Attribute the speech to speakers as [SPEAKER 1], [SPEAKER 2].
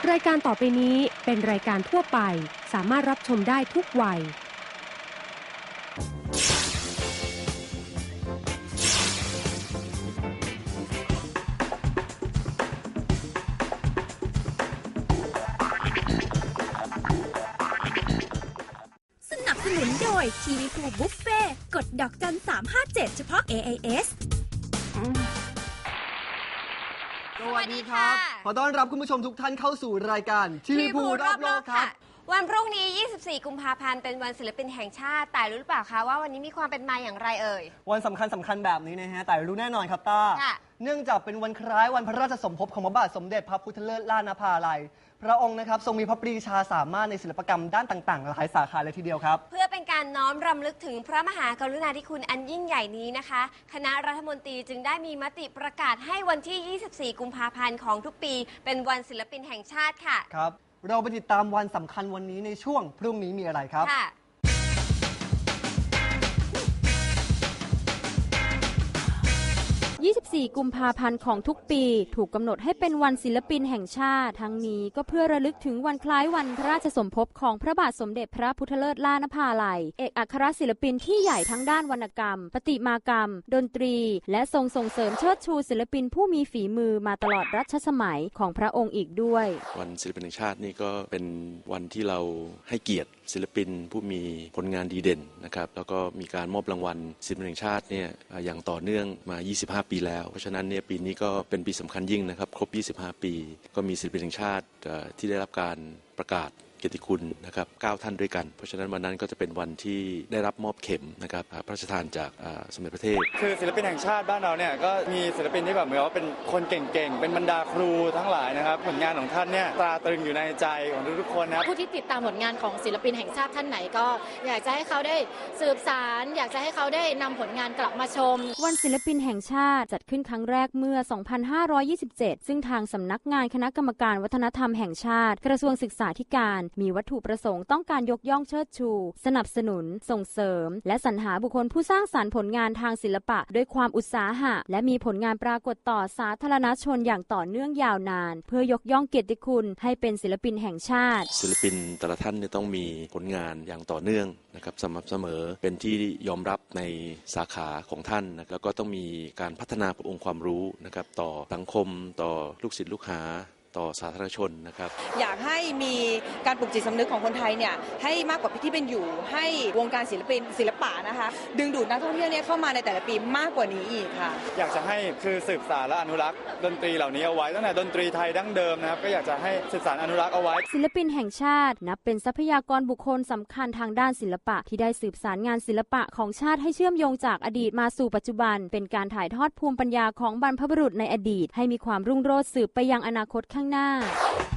[SPEAKER 1] รายการต่อไปนี้เป็นรายการทั่วไปสามารถรับชมได้ทุกวัย
[SPEAKER 2] สนับสนุนโดยทีวีพูบุฟเฟ่กดดอกจัน357เฉพาะ AIS
[SPEAKER 3] สวัสดีครับขอต้อนรับคุณผู้ชมทุกท่านเข้าสู่รายการทีวีพูรอบโลกครับ
[SPEAKER 4] วันพรุ่งนี้ 24 กุมภาพันธ์ เป็นวันศิลปินแห่งชาติ แต่รู้หรือเปล่าคะว่าวันนี้มีความเป็นมาอย่างไรเอ่ย
[SPEAKER 3] วันสำคัญแบบนี้นะฮะ แต่รู้แน่นอนครับต้า เนื่องจากเป็นวันคล้ายวันพระราชสมภพของพระบาทสมเด็จพระพุทธเลิศล้านนภาลัย พระองค์นะครับทรงมีพระปรีชาสามารถในศิลปกรรมด้านต่างๆหลายสาขาเลยทีเดียวครับ
[SPEAKER 4] เพื่อเป็นการน้อมรำลึกถึงพระมหากรุณาธิคุณอันยิ่งใหญ่นี้นะคะ คณะรัฐมนตรีจึงได้มีมติประกาศให้วันที่ 24 กุมภาพันธ์ของทุกปีเป็นวันศิลปินแห่งชาติค่ะ
[SPEAKER 3] ครับเราไปติดตามวันสำคัญวันนี้ในช่วงพรุ่งนี้มีอะไรครับ
[SPEAKER 5] 24 กุมภาพันธ์ของทุกปีถูกกำหนดให้เป็นวันศิลปินแห่งชาติทั้งนี้ก็เพื่อระลึกถึงวันคล้ายวันพระราชสมภพของพระบาทสมเด็จพระพุทธเลิศล้านนภาลัยเอกอัครศิลปินที่ใหญ่ทั้งด้านวรรณกรรมประติมากรรมดนตรีและทรงส่งเสริมเชิดชูศิลปินผู้มีฝีมือมาตลอดรัชสมัยของพระองค์อีกด้วย
[SPEAKER 6] วันศิลปินแห่งชาตินี่ก็เป็นวันที่เราให้เกียรติศิลปินผู้มีผลงานดีเด่นนะครับแล้วก็มีการมอบรางวัลศิลปินแห่งชาติเนี่ยอย่างต่อเนื่องมา25 ปีแล้วเพราะฉะนั้นเนี่ยปีนี้ก็เป็นปีสำคัญยิ่งนะครับครบ25 ปีก็มีศิลปินแห่งชาติที่ได้รับการประกาศเกียรติคุณนะครับ9ท่านด้วยกันเพราะฉะนั้นวันนั้นก็จะเป็นวันที่ได้รับมอบเข็มนะครับพระราชทานจากสมเด็จพระเทพ
[SPEAKER 7] คือศิลปินแห่งชาติบ้านเราเนี่ยก็มีศิลปินที่แบบเหมือนว่าเป็นคนเก่งๆเป็นบรรดาครูทั้งหลายนะครับผลงานของท่านเนี่ยตราตรึงอยู่ในใจของทุกๆคนนะครับ
[SPEAKER 8] ผู้ที่ติดตามผลงานของศิลปินแห่งชาติท่านไหนก็อยากจะให้เขาได้สืบสานอยากจะให้เขาได้นำผลงานกลับมาชม
[SPEAKER 5] วันศิลปินแห่งชาติจัดขึ้นครั้งแรกเมื่อ 2527 ซึ่งทางสำนักงานคณะกรรมการวัฒนธรรมแห่งชาติกระทรวงศึกษาธิการมีวัตถุประสงค์ต้องการยกย่องเชิดชูสนับสนุนส่งเสริมและสรรหาบุคคลผู้สร้างสรรค์ผลงานทางศิลปะด้วยความอุตสาหะและมีผลงานปรากฏต่อสาธารณชนอย่างต่อเนื่องยาวนานเพื่อยกย่องเกียรติคุณให้เป็นศิลปินแห่งชาติ
[SPEAKER 6] ศิลปินแต่ละท่านต้องมีผลงานอย่างต่อเนื่องนะครับสม่ำเสมอเป็นที่ยอมรับในสาขาของท่านนะแล้วก็ต้องมีการพัฒนาองค์ความรู้นะครับต่อสังคมต่อลูกศิษย์ลูกหาต่อสาธารณชนนะครับ
[SPEAKER 9] อยากให้มีการปลุกจิตสำนึกของคนไทยเนี่ยให้มากกว่าที่เป็นอยู่ให้วงการศิลปะนะคะดึงดูดนักท่องเที่ยวเนี่ยเข้ามาในแต่ละปีมากกว่านี้อีกค่ะ
[SPEAKER 7] อยากจะให้คือสืบสานและอนุรักษ์ดนตรีเหล่านี้เอาไว้ตั้งแต่ดนตรีไทยดั้งเดิมนะครับก็อยากจะให้สืบสานอนุรักษ์เอาไว้
[SPEAKER 5] ศิลปินแห่งชาตินับเป็นทรัพยากรบุคคลสำคัญทางด้านศิลปะที่ได้สืบสารงานศิลปะของชาติให้เชื่อมโยงจากอดีตมาสู่ปัจจุบันเป็นการถ่ายทอดภูมิปัญญาของบรรพบุรุษในอดีตให้มีความรุ่งโรจน์สืบไปยังอนาคตข้างหน้า